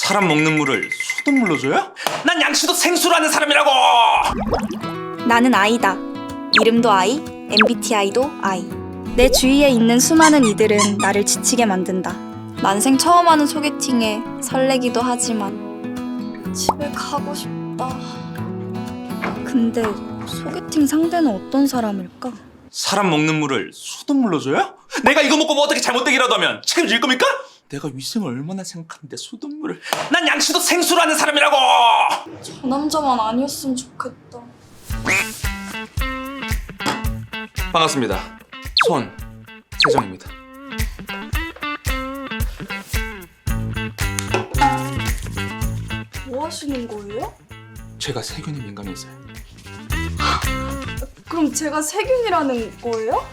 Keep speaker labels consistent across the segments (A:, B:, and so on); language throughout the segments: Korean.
A: 사람 먹는 물을 수돗물로 줘요? 난 양치도 생수로 하는 사람이라고!
B: 나는 아이다. 이름도 아이, MBTI도 아이. 내 주위에 있는 수많은 이들은 나를 지치게 만든다. 난생 처음 하는 소개팅에 설레기도 하지만 집에 가고 싶다. 근데 소개팅 상대는 어떤 사람일까?
A: 사람 먹는 물을 수돗물로 줘요? 내가 이거 먹고 뭐 어떻게 잘못되기라도 하면 책임질 겁니까? 내가 위생을 얼마나 생각하는데 수돗물을. 난 양치도 생수로 하는 사람이라고!
B: 저 남자만 아니었으면 좋겠다.
A: 반갑습니다. 손세정입니다.
B: 뭐 하시는 거예요?
A: 제가 세균에 민감해서요.
B: 그럼 제가 세균이라는 거예요?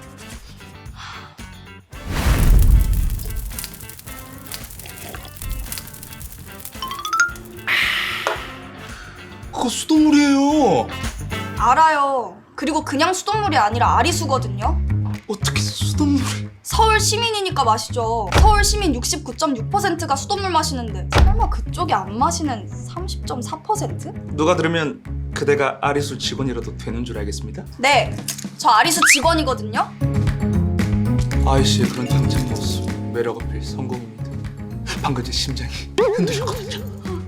A: 그거 수돗물이에요.
B: 알아요. 그리고 그냥 수돗물이 아니라 아리수거든요.
A: 어떻게 수돗물을?
B: 서울 시민이니까 마시죠. 서울 시민 69.6%가 수돗물 마시는데 설마 그쪽이 안 마시는 30.4%?
A: 누가 들으면 그대가 아리수 직원이라도 되는 줄 알겠습니다.
B: 네, 저 아리수 직원이거든요.
A: 아이씨의 그런 당찬 모습, 매력 어필 성공입니다. 방금 제 심장이 흔들렸거든요.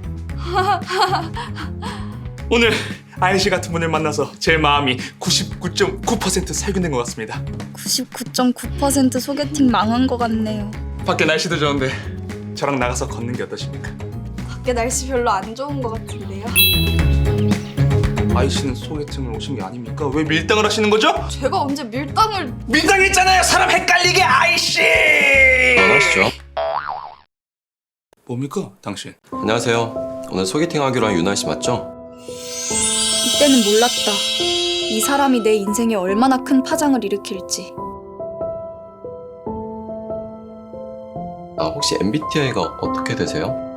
A: 오늘 아이씨 같은 분을 만나서 제 마음이 99.9% 살균된 것 같습니다.
B: 99.9% 소개팅 망한 것 같네요.
A: 밖에 날씨도 좋은데 저랑 나가서 걷는 게 어떠십니까?
B: 밖에 날씨 별로 안 좋은 것 같은데요.
A: 아이씨는 소개팅을 오신 게 아닙니까? 왜 밀당을 하시는 거죠?
B: 제가 언제 밀당을...
A: 밀당했잖아요. 사람 헷갈리게 아이씨.
C: 안녕하시죠?
A: 뭡니까 당신?
C: 안녕하세요. 오늘 소개팅 하기로 한 유나 씨 맞죠?
B: 이때는 몰랐다. 이 사람이 내 인생에 얼마나 큰 파장을 일으킬지.
C: 혹시 MBTI가 어떻게 되세요?